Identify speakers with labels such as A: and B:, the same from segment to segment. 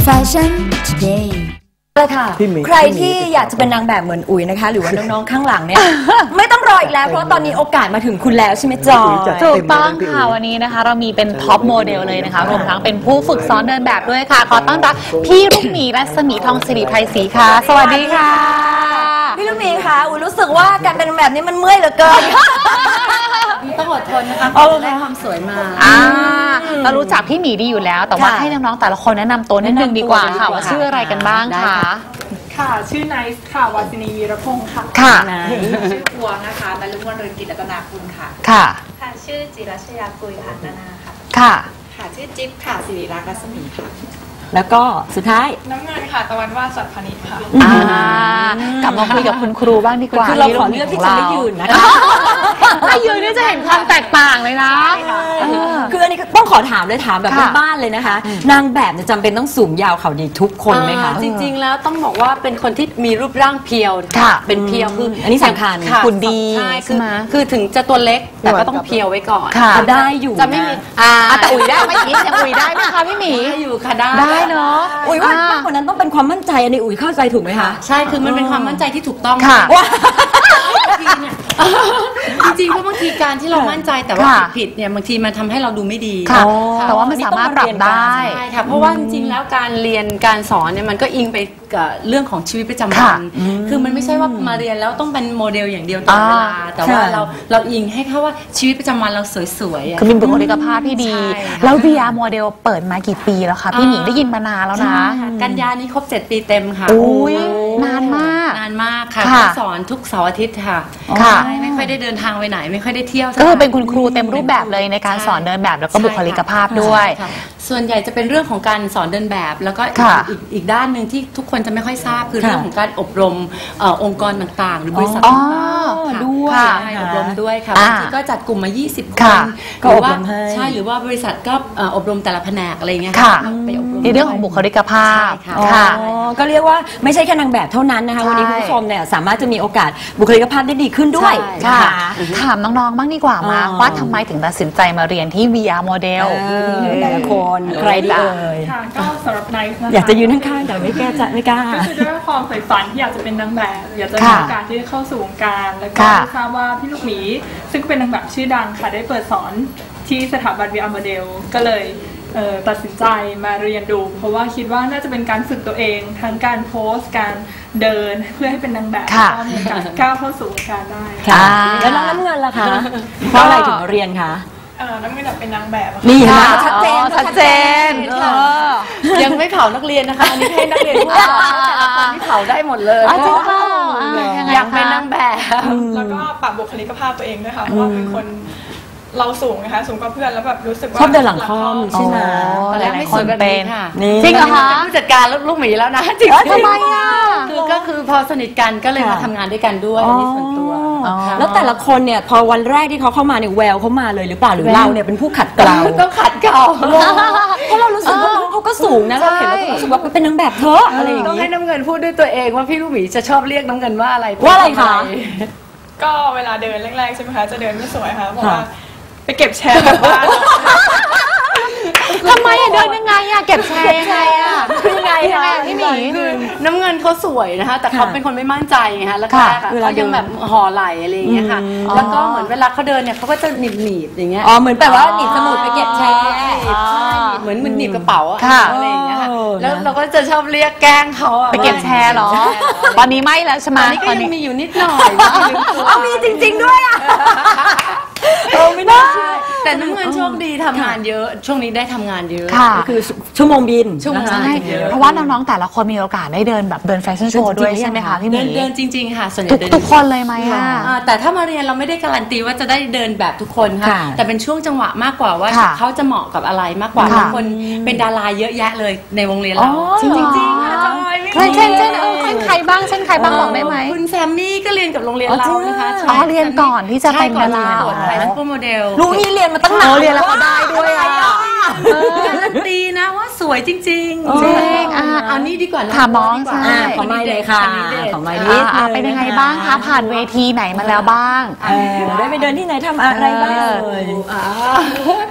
A: Fashion Todayเลยค่ะใครที่อยากจะเป็นนางแบบเหมือนอุ๋ยนะคะหรือว่าน้องๆข้างหลังเนี่ยไม่ต้องรออีกแล้วเพราะตอนนี้โอกาสมาถึงคุณแล้วใช่ไหมจอย
B: ถูกต้องค่ะวันนี้นะคะเรามีเป็นท็อปโมเดลเลยนะคะรวมทั้งเป็นผู้ฝึกสอนเดินแบบด้วยค่ะขอต้อนรับพี่ลูกหมีรัศมีทองศิริไพศรีค่ะสวัสดีค่ะ
A: พี่ลูกหมีค่ะอุ๋ยรู้สึกว่าการเป็นแบบนี้มันเมื่อยเหลือเกิน
C: ต้องอดทนนะคะเพื่อจะได้ความสวยมา
B: เรารู้จักพี่หมีดีอยู่แล้วแต่ว่าให้น้องๆแต่ละคนแนะนำตัวนิดนึงดีกว่าค่ะว่าชื่ออะไรกันบ้างคะ
D: ค่ะชื่อไนซ์ค่ะวาสินีวีรพงศ์ค่ะ
B: ค่ะ
C: ชื่อพวงนะคะนฤมลเรืองกิจรัตนาคุณค่ะ
B: ค่ะ
C: ค่ะชื่อจิรัชยากุยค่ะนานาค่ะ
B: ค่ะ
C: ค่ะชื่อจิ๊บค่ะสิริรักษ์รัศมีค่ะ
A: แล้วก็สุดท้าย
D: น้ำเงินค่ะตะวันวาดสัตย์พนิชค่ะ
B: กลับมาคุยกับคุณครูบ้างดีกว่า
A: คือเราขอเลือกที่จะไม่ยืนนะคะ
B: ถ้ายืนนี่จะเห็นความแตกต่างเลยนะ
A: คืออันนี้ต้องขอถามเลยถามแบบบ้านๆเลยนะคะนางแบบจำเป็นต้องสูงยาวเขาดีทุกคนไหมคะ
C: จริงๆแล้วต้องบอกว่าเป็นคนที่มีรูปร่างเพียวเป็นเพียวคือ
A: อันนี้สำคัญ
B: คุณดี
C: ใช่ไหมคือถึงจะตัวเล็กแต่ก็ต้องเพียวไว้ก่อน
A: ได้อยู่
C: จะไม่มี
B: แต่อุ๋ยได้ไหมยังอุ๋ยได้ไหมคะพี่หมี
C: อยู่ค่ะได้
B: เนาะ
A: อุ๋ยว่ามากกว่านั้นต้องเป็นความมั่นใจอันนี้อุ๋ยเข้าใจถูกไหมคะ
C: ใช่คือมันเป็นความมั่นใจที่ถูกต้อง
B: ค่ะ
C: จริงๆเพราะบางทีการที่เรามั่นใจแต่ว่าผิดเนี่ยบางทีมันทำให้เราดูไม่ดี
B: แต่ว่ามันสามารถปรับได้
C: ใช่ค่ะเพราะว่าจริงๆแล้วการเรียนการสอนเนี่ยมันก็อิงไปกับเรื่องของชีวิตประจำวันคือมันไม่ใช่ว่ามาเรียนแล้วต้องเป็นโมเดลอย่างเดียวตลอดเวลาแต่ว่าเราอิงให้เขาว่าชีวิตประจำวันเราสวยๆ
B: คือมีบุคลิกภาพที่ดีแล้ว VR โมเดลเปิดมากี่ปีแล้วคะพี่หมีได้ยินมานานแล้วนะ
C: กันยานี้ครบ7 ปีเต็มค่ะ
B: นานมาก
C: ค่ะสอนทุกเสาร์อาทิตย์ค่ะไม่ค่อยได้เดินทางไปไหนไม่ค่อยได้เที่ยว
B: ก็คือเป็นคุณครูเต็มรูปแบบเลยในการสอนเดินแบบแล้วก็บุคลิกภาพด้วย
C: ส่วนใหญ่จะเป็นเรื่องของการสอนเดินแบบแล้วก็อีกด้านหนึ่งที่ทุกคนจะไม่ค่อยทราบคือเรื่องของการอบรมองค์กรต่างๆหรือบริษัทต่างๆ
A: ด้วย
C: อบรมด้วยค่ะบางทีก็จัดกลุ่มมา20 คนหรือว่าใช่หรือว่าบริษัทก็อบรมแต่ละแผนกอะไรเงี้ยค่ะ
B: ไปอบรมในเรื่องของบุคลิกภาพ
A: ค่ะก็เรียกว่าไม่ใช่แค่นางแบบเท่านั้นนะคะวันนี้คุณผู้ชมเนี่ยสามารถจะมีโอกาสบุคลิกภาพได้ดีขึ้นด้วย
B: ค่ะถามน้องๆบ้างดีกว่ามาว่าทำไมถึงตัดสินใจมาเรียนที่ VR โมเดล
A: แต่ละคนใครดีเอ่ย
D: ค่ะก็สำหรับไนซ์นะคะ
A: อยากจะยืนข้างๆแต่ไม่กล้า
D: ก็คือด้วยความใฝ่ฝันที่อยากจะเป็นนางแบบอยากจะมีโอกาสที่จะเข้าสู่วงการแล้วก็ทราบว่าพี่ลูกหมีซึ่งเป็นนางแบบชื่อดังค่ะได้เปิดสอนที่สถาบัน VR โมเดลก็เลยตัดสินใจมาเรียนดูเพราะว่าคิดว่าน่าจะเป็นการฝึกตัวเองทั้งการโพสการเดินเพื่อให้เป็นนางแบบก็มีการก้าวเข้าสู่วงการได้
A: แล้วน้องน้ำเงินล่ะคะเพราะอะไรถึงเรียนคะ
D: น้ำเงินเป็นนางแบบ
A: นี่นะ
B: ชัดเจน
C: ยังไม่เผานักเรียนนะคะอันนี้ให้นักเรียนผู้สอนแต่ละคนที่เผาได้หมดเลยอยากเป็นนางแบบ
D: แล้วก็ปรับบุคลิกภาพตัวเองด้วยค่ะเพราะว่าเป็นคนเราสูงนะคะสูงกว่าเพื่อนแล้วแบบรู้สึกว่า
A: ชอบเดินหลังค่อมใช่ไหม
C: ตอนแรกไม่สวยแบบนี้ค่ะ
B: จริงเหรอคะ
C: ผู้จัดการลูกหมีแล้วนะจริง
B: ทำไมอ่ะ
C: ก็คือพอสนิทกันก็เลยมาทำงานด้วยกันด้วยในส่วนตัว
A: แล้วแต่ละคนเนี่ยพอวันแรกที่เขาเข้ามาเนี่ยแววเขามาเลยหรือเปล่าหรือเราเนี่ยเป็นผู้ขัดเกลา
C: ต้องขัดเกลา
A: เพราะเรารู้สึกว่าน้องเขาก็สูงนะเราเห็นแล้วรู้สึกว่าเป็นนางแบบเธออะไรอย่างนี้
C: ต้องให้น้ำเงินพูดด้วยตัวเองว่าพี่ลูกหมีจะชอบเรียกน้ำเงินว่าอะไร
A: คะ
D: ก็เวลาเดินแรกๆใช่ไหมคะจะเดินไม่สวยค่ะเพราะว่าไปเก็บแชร์แบบบ้าน
B: ทำไมอะเดินยังไงอะเก็บแชร์ยังไงอะ
C: ยังไงพี่หมีคือน้ำเงินเขาสวยนะคะแต่เขาเป็นคนไม่มั่นใจไงคะแล้วเขายังแบบห่อไหลอะไรอย่างเงี้ยค่ะแล้วก็เหมือนเวลาเขาเดินเนี่ยเขาก็จะหนีบอย่างเงี้ย
A: เหมือนแบบว่าหนีบสมุดไปเก็บแชร์
C: เหมือนหนีบกระเป๋าอะไรอย่างเงี้ยค่ะแล้วเราก็จะชอบเรียกแกล้งเขา
B: ไปเก็บแชร์หรอตอนนี้ไม่แล้วใช่ไหม
C: ตอนนี้ก็ยังมีอยู่นิดหน่อย
A: มีจริงๆด้วยอะไม่ได้
C: แต่น้ำเงินโชคดีทำงานเยอะช่วงนี้ได้ทำงานเยอะ
A: ก็คือชั่วโมงบิน
B: ใช่เพราะว่าน้องๆแต่ละคนมีโอกาสได้เดินแบบเดินแฟชั่นโชว์ด้วยใช่ไหมคะพี่หมี
C: เดินจริงๆค่ะส่วนให
B: ญ่ทุกคนเลยไหมอะ
C: แต่ถ้ามาเรียนเราไม่ได้การันตีว่าจะได้เดินแบบทุกคนค่ะแต่เป็นช่วงจังหวะมากกว่าว่าเขาจะเหมาะกับอะไรมากกว่าบางคนเป็นดาราเยอะแยะเลยในวงเรียนเรา
B: จริงๆค่ะเช่นใครบ้างบอกได้ไหม
C: คุณแซมมี่ก็เรียนกับโรงเรียนเรานะคะ
B: เรียนก่อนที่จะเป็นดารา
C: ไฮสคูลโมเดล
A: ลูกนี่เรียนมาตั้งนาน
B: เรียนแล้วเขาได้ด้วยอ่ะ
C: การันตีนะว่าสวยจริงๆจริงเอานี่ดีกว่า
B: ถามน้องใช่
A: ของไม่เลยค่ะของไม่นิด
B: เป็นยังไงบ้างคะผ่านเวทีไหนมาแล้วบ้าง
A: ได้ไปเดินที่ไหนทำอะไรบ้างเลย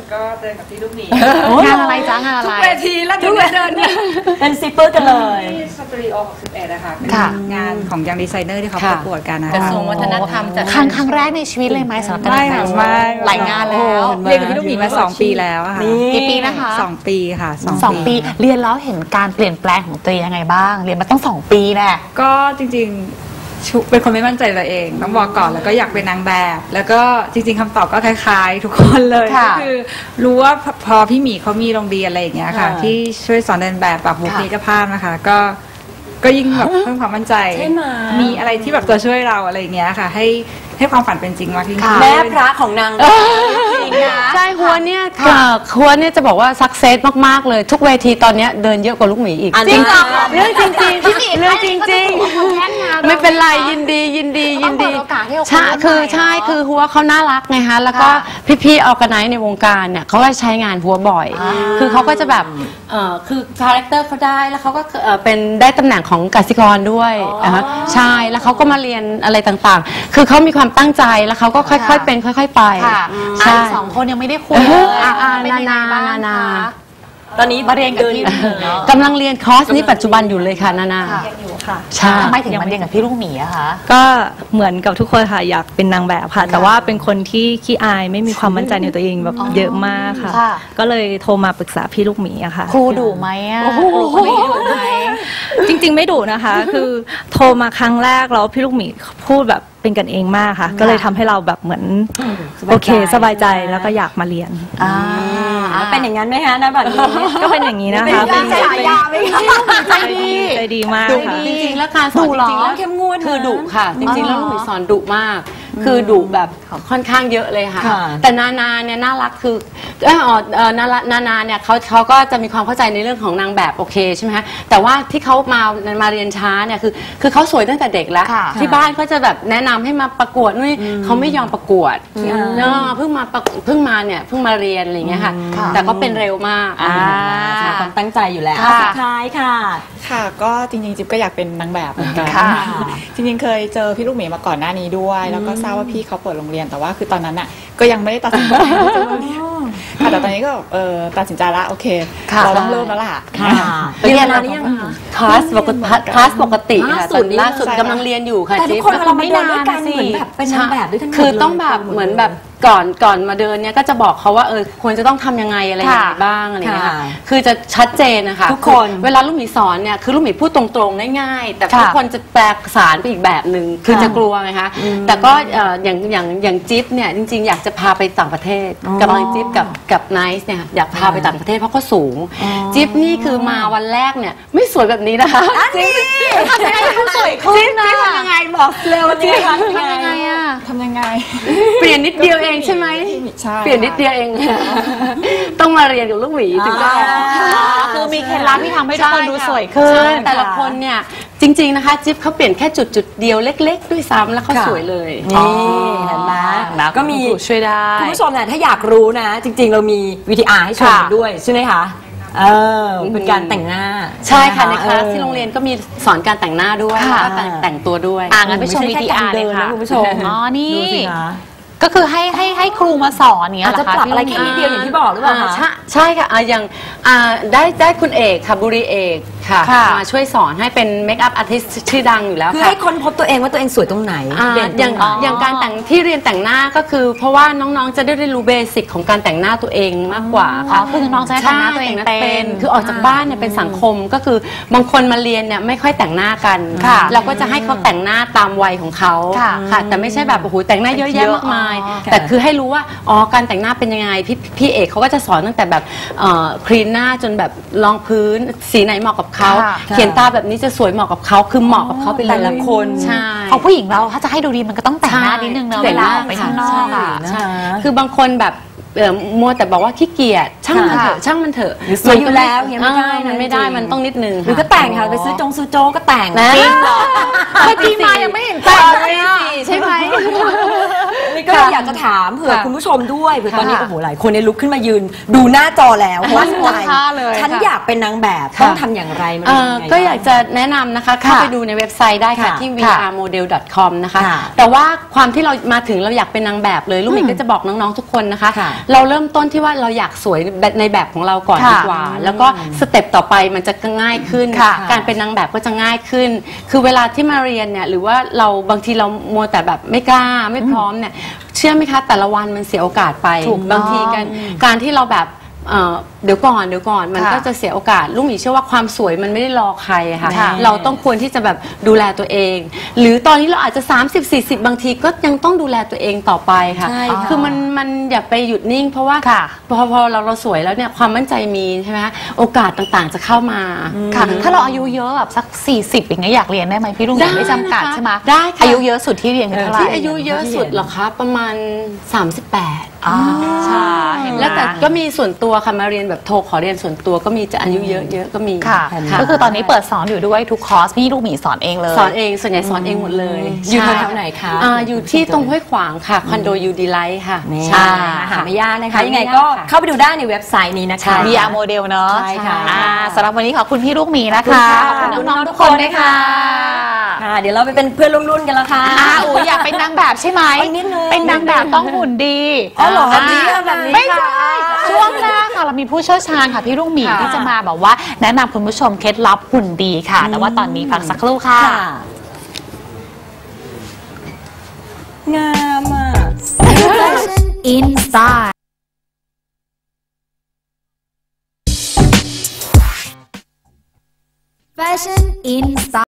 D: ก็เดินกับพี่ลูกหมี
B: งานอะไรจ้างานอะไร
C: ทุกเวทีแล้วทุกเดินเนี่ย
A: เป็นซิปเปอร์กันเลย
D: ที่สตรีโอ61นะคะเป็น
B: ค่ะ
E: งานของยังดีไซเนอร์ที่เขาประกวดกันนะ
C: กระ
E: คะ
C: ทรวงวัฒนธรรมจัด
B: ครั้งแรกในชีวิตเลยไหมสำหรับการ
E: ไม่
B: แต่
E: ค่ะ
B: ง
E: ไม่
B: หลายงานแล้ว
E: เรียนกับพี่ลูกหมีมา2 ปีแล้วอะค่ะ
B: กี่ปีนะคะ
E: 2 ปีค่ะ
B: สองปีเรียนแล้วเห็นการเปลี่ยนแปลงของตัวเองยังไงบ้าง เรียนมาต้อง2 ปีแน่
E: ก็จริงๆเป็นคนไม่มั่นใจตัวเองต้องบอกก่อนแล้วก็อยากเป็นนางแบบ แล้วก็จริงๆคำตอบก็คล้ายๆ ทุกคนเลย
B: ค่ะ
E: ก็คือรู้ว่าพอพี่หมีเขามีโรงเรียนอะไรอย่างเงี้ยค่ะ ที่ช่วยสอนเดินแบบปรับบุคลิกภาพนะคะก็ยิ่งแบบเพิ่มความมั่นใจ
A: ใช่ไหม
E: มีอะไรที่แบบตัวช่วยเราอะไรอย่างเงี้ยค่ะ ให้ความฝันเป็นจริงมากยิ่งขึ้น
A: แม่พระของนางจริงนะ
C: ใช่ฮัวเนี่ยฮัวเนี่ยจะบอกว่าสักเซสมากๆเลยทุกเวทีตอนเนี้ยเดินเยอะกว่าลูกหมีอีก
A: จริงเหรอ
C: เรื่องจริงๆพี่หมีเรื่องจริงๆไม่เป็นไรยินดี
B: ต้องเปิดโอกาสให้โอกาส
C: ใช่
B: ใหม่
C: ใช่
B: เนอะ
C: คือฮัวเขาน่ารักไงฮะแล้วก็
B: ค่ะ
C: พี่ๆออร์แกไนซ์ในวงการเนี่ยเขาก็ใช้งานฮัวบ่อย คือเขาก็จะแบบคือคาแรคเตอร์เขาได้แล้วเขาก็เป็นได้ตำแหน่งของกสิกรด้วยนะคะใช่แล้วเขาก็มาเรียนอะไรต่างๆ คือเขามีความตั้งใจแล้วเขาก็ค่อยๆเป็นค่อยๆไป
B: ค่ะ
C: ใช่
B: สองคนยังไม่ได้คุยเลยเป็นยังไงบ้าง
C: นา
B: คะ
A: ตอนนี้
B: มาเรียนกับพี่ลูกหมีเนาะ
C: กำลังเรียนคอร์สนี้ปัจจุบันอยู่เลยค่ะนานา
B: ค่ะ
C: ใช่
B: ทำไมถึงมาเรียนกับพี่ลูกหมีอะคะ
F: ก็เหมือนกับทุกคนค่ะอยากเป็นนางแบบค่ะ แต่ว่าเป็นคนที่ขี้อายไม่มีความมั่นใจในตัวเองแบบเยอะมากค่ะ
B: ค่ะ
F: ก็เลยโทรมาปรึกษาพี่ลูกหมีอะค่ะ
B: ครูดุไหมอะครูคนนี้ดุไหม
F: จริงๆไม่ดุนะคะ คือโทรมาครั้งแรกแล้วพี่ลูกหมีพูดแบบเป็นกันเองมากค่ะ ก็เลยทำให้เราแบบเหมือนโอเคสบายใจแล้วก็อยากมาเรียน
A: เป็นอย่างนั้นไหมฮะนะแบบนี้
F: ก็เป็นอย่างนี้นะคะ
A: เป็นฉายาไหมคะ
F: ใจดีใจดีมาก
C: ดุ
F: ค่ะ
C: จริงๆแล้วการสอนจริงๆแล้ว
A: เข้มงวดนะ
C: คือดุค่ะ จริงๆแล้วลูกหมีสอนดุมาก คือดุแบบค่อนข้างเยอะเลยค่ะ
A: ค่ะ
C: แต่นานาเนี่ยน่ารักคือนานาเนี่ยเขาก็จะมีความเข้าใจในเรื่องของนางแบบโอเคใช่ไหมคะแต่ว่าที่เขามาเรียนช้าเนี่ยคือเขาสวยตั้งแต่เด็กแล้ว
B: ค่ะ
C: ที่บ้านก็จะแบบแนะนำให้มาประกวดนู่นเขาไม่ยอมประกวดเนาะเพิ่งมาเรียนอะไรอย่างเงี้ยค่ะ แต่ก็เป็นเร็วมาก
A: ความตั้งใจอยู่แล้ว
B: ค่ะ
A: สุดท้ายค่ะ
G: ค่ะก็จริงๆจิ๊บก็อยากเป็นนางแบบเหมือนกัน
B: ค่ะ
G: จริงๆเคยเจอพี่ลูกหมีมาก่อนหน้านี้ด้วย แล้วก็ทราบว่าพี่เขาเปิดโรงเรียนแต่ว่าคือตอนนั้นอ่ะก็ยังไม่ได้ตัดสินใจที่จะมาเรียนค่ะแต่ตอนนี้ก็ตัดสินใจละโอเค
B: ค่ะ
G: เราต้องเริ่มแล้วล่ะ
A: เรียนนานหรือยังคะ
C: คลาสปกติค่ะ ล่าสุดกำลังเรียนอยู่ค่ะ
A: แต่ทุก
C: จิ๊บ
A: คนเวลามาเดินด้วยกันเหมือนแบบเป็นนางแบบด้วยทั้งหมด
C: คือต้องแบบเหมือนแบบก่อนมาเดินเนี่ยก็จะบอกเขาว่าควรจะต้องทำยังไงอะไรยังไงบ้างอะไรอย่างเงี้ยค่ะคือจะชัดเจนนะคะ
A: ทุกคน
C: เวลาลูกหมีสอนเนี่ยคือลูกหมีพูดตรงๆง่ายๆแต่ทุกคนจะแปลสารไปอีกแบบหนึ่งคือจะกลัวไงคะแต่ก็อย่างจิ๊บเนี่ยจริงๆอยากจะพาไปต่างประเทศกำลังจิ๊บกับไนซ์เนี่ยอยากพาไปต่างประเทศเพราะเขาสูงจิ๊บนี่คือมาวันแรกเนี่ยไม่สวยแบบนี้นะคะจิ๊บ
B: ทำยังไงให้เขาสวยขึ้นนะ
C: ทำยังไงบอกเร็วจิ๊บทำยังไงอะ
G: ทำยังไง
C: เปลี่ยนนิดเดียวเองใช่ไหม
G: ใช่
C: เปลี่ยนนิดเดียวเอง ต้องมาเรียนกับลูกหมีถึงจะ
B: คือมีเคล็ดลับที่ทำให้ทุกคนดูสวยขึ้น
C: ใช่แต่ละคนเนี่ยจริงๆนะคะจิ๊บเขาเปลี่ยนแค่จุดเดียวเล็กๆด้วยซ้ำแล้วเขาสวยเลย
A: นี่เห็นไหมก็มี
B: ช่วยได้
A: คุณผู้ชมเนี่ยถ้าอยากรู้นะ จริงๆเรามี VTR ให้ชมกันด้วยใช่ไหมคะเป็นการแต่งหน้า
C: ใช่ค่ะในคลาสที่โรงเรียนก็มีสอนการแต่งหน้าด้วย
B: ค่ะ
C: แล้วก็แต่งตัวด้วย
B: งั้นไปชม
A: ไม่ใช่แค่
B: VTR
A: การเดิ
B: เลย
A: นนะ
B: ค่ะ
A: คุณผู้ชม
B: อ๋อนี่
A: ดูสิคะ
B: ก็คือให้ครูมาสอนเนี้ย
A: อาจ
B: เหร
A: จะ
B: อคะ
A: ปรับอะไรแค่นิดเดียวอย่างที่บอกหรือเปล่าคะ
C: ใช่ค่ะอย่างได้คุณเอกค่ะบุรีเอกค่ะ
B: ค่ะ
C: มาช่วยสอนให้เป็นเมคอัพอาร์ติสชื่อดังอยู่แล้ว
A: คือ
C: ค่ะ
A: ให้ค้นพบตัวเองว่าตัวเองสวยตรงไหนเด่นต
C: อ
A: ร
C: ย่าง
A: งไหน
C: อย่างการแต่งที่เรียนแต่งหน้าก็คือ เพราะว่าน้องๆจะได้เรียนรู้เบสิกของการแต่งหน้าตัวเองมากกว่า
B: อ๋อคือน้องจะได้แต่งหน้าตัวเองเป็น
C: คือออกจากบ้านเนี่ยเป็นสังคมก็คือบางคนมาเรียนเนี่ยไม่ค่อยแต่งหน้ากัน
B: ค่ะ
C: เราก็จะให้เขาแต่งหน้าตามวัยของเขา
B: ค่ะ
C: ค่ะแต่ไม่ใช่แบบโอ้โหแต่งหน้าเยอะแยะมากมาย
B: อ๋อ
C: แต่คือให้รู้ว่าอ๋อการแต่งหน้าเป็นยังไงพี่เอกเขาก็จะสอนตั้งแต่แบบคลีนหน้าจนแบบรองพื้นสีไหนเหมาะกับเขา
B: ค่ะ
C: เขียนตาแบบนี้จะสวยเหมาะกับเขาคือเหมาะกับเขาไปเลย
A: แต่ละคน
C: ใช่
B: ของผู้หญิงเราถ้าจะให้ดูดีมันก็ต้องแต่งหน้านิดนึงเนอะ
C: แต่
B: เว
C: งห
B: ลา
C: น้า
B: ออกไปข้างนอกอ่ะ
C: ใช่คือบางคนแบบมัวแต่บอกว่าขี้เกียจช่างมันเถอะช่างมันเถอะ
A: หรือสวยอยู่แล้วอย่างเงี้ยไม่ได้นะ
C: มันไม่ได้
A: จริง
C: มันต้องนิดนึง
A: หรือก็แต่งค่ะไปซื้อซื้อโจ๊กก็แต่ง
C: นะ
A: จริงเหรอ
B: เมื่อกี้มายังไม่เห็นแต่งเลยอ่ะ
C: ใช่ไหม
A: นี่ก็อยากจะถามเผื่อคุณผู้ชมด้วยเผื่อตอนนี้โอ้โหหลายคนเนี่ยลุกขึ้นมายืนดูหน้าจอแล้วว่า
B: โพสท่าเลย
A: ฉัน
B: ค่ะ
A: อยากเป็นนางแบบต้องทำอย่างไรมันเป็นยังไง
C: ก็อยากจะแนะนำนะคะเข้าไปดูในเว็บไซต์ได้ค่ะ
A: ค่ะ
C: ที่ vrmodel.com นะคะ
A: ค่ะ
C: แต่ว่าความที่เรามาถึงเราอยากเป็นนางแบบเลยลูกหมีก็จะบอกน้องๆทุกคนนะคะ
A: ค่ะ
C: เราเริ่มต้นที่ว่าเราอยากสวยในแบบของเราก่อนดีกว่าแล้วก็สเต็ปต่อไปมันจะง่ายขึ้นการเป็นนางแบบก็จะง่ายขึ้นคือเวลาที่มาเรียนเนี่ยหรือว่าเราบางทีเรามัวแต่แบบไม่กล้าไม่พร้อมเนี่ยเชื่อไหมคะแต่ละวันมันเสียโอกาสไปบางทีการที่เราแบบเดี๋ยวก่อนมันก็จะเสียโอกาสลูกหมีเชื่อว่าความสวยมันไม่ได้รอใครค่ะเราต้องควรที่จะแบบดูแลตัวเอง หรือตอนนี้เราอาจจะ30-40บางทีก็ยังต้องดูแลตัวเองต่อไปค่ะคือมันอย่าไปหยุดนิ่งเพราะว่าพอเราสวยแล้วเนี่ยความมั่นใจมีใช่ไหมโอกาสต่างๆจะเข้ามา
B: ค่ะถ้าเราอายุเยอะแบบสัก40อย่างเงี้ยอยากเรียนได้ไหมพี่ลุงไม่จำกัดใช่ไหม
C: ได้ค่ะ
B: อายุเยอะสุดที่เรียนคือเท่าไหร่
C: ที่อายุเยอะสุดเหรอคะประมาณ38
B: ใช่
C: แล้วแต่ก็มีส่วนตัวค่ะมาเรียนแบบโทรขอเรียนส่วนตัวก็มีจะอายุเยอะๆก็มี
B: ค่ะก็คือตอนนี้เปิดสอนอยู่ด้วยทุกคอร์สพี่ลูกหมีสอนเองเลย
C: สอนเองส่วนใหญ่สอนเองหมดเลย
A: อยู่แถวไหนคะ
C: อยู่ที่ตรงห้วยขวางค่ะคอนโดยูดีไลท์ค่ะ
A: ใช่หาไม่ยากนะคะยังไงก็เข้าไปดูได้ในเว็บไซต์นี้นะคะ
B: VR Model เนาะ
A: ใช่ค่ะ
B: สำหรับวันนี้ขอบคุณพี่ลูกหมีนะคะขอบคุณน้องๆทุกคนด้วยค่ะ
A: เดี๋ยวเราไปเป็นเพื่อนรุ่นๆกันแล้วค่ะ
B: อยากเป็นนางแบบใช่ไหมเป็นนางแบบต้องหุ่นดี
A: เหรอแบบนี้
B: ไม่ใช่ช่วงหน้าค่ะเรามีผู้เชี่ยวชาญค่ะพี่ลูกหมีที่จะมาแบบว่าแนะนำคุณผู้ชมเคล็ดลับหุ่นดีค่ะแต่ว่าตอนนี้พักสักครู่ค่ะ
A: งามอ่ะ
F: Inside Fashion Inside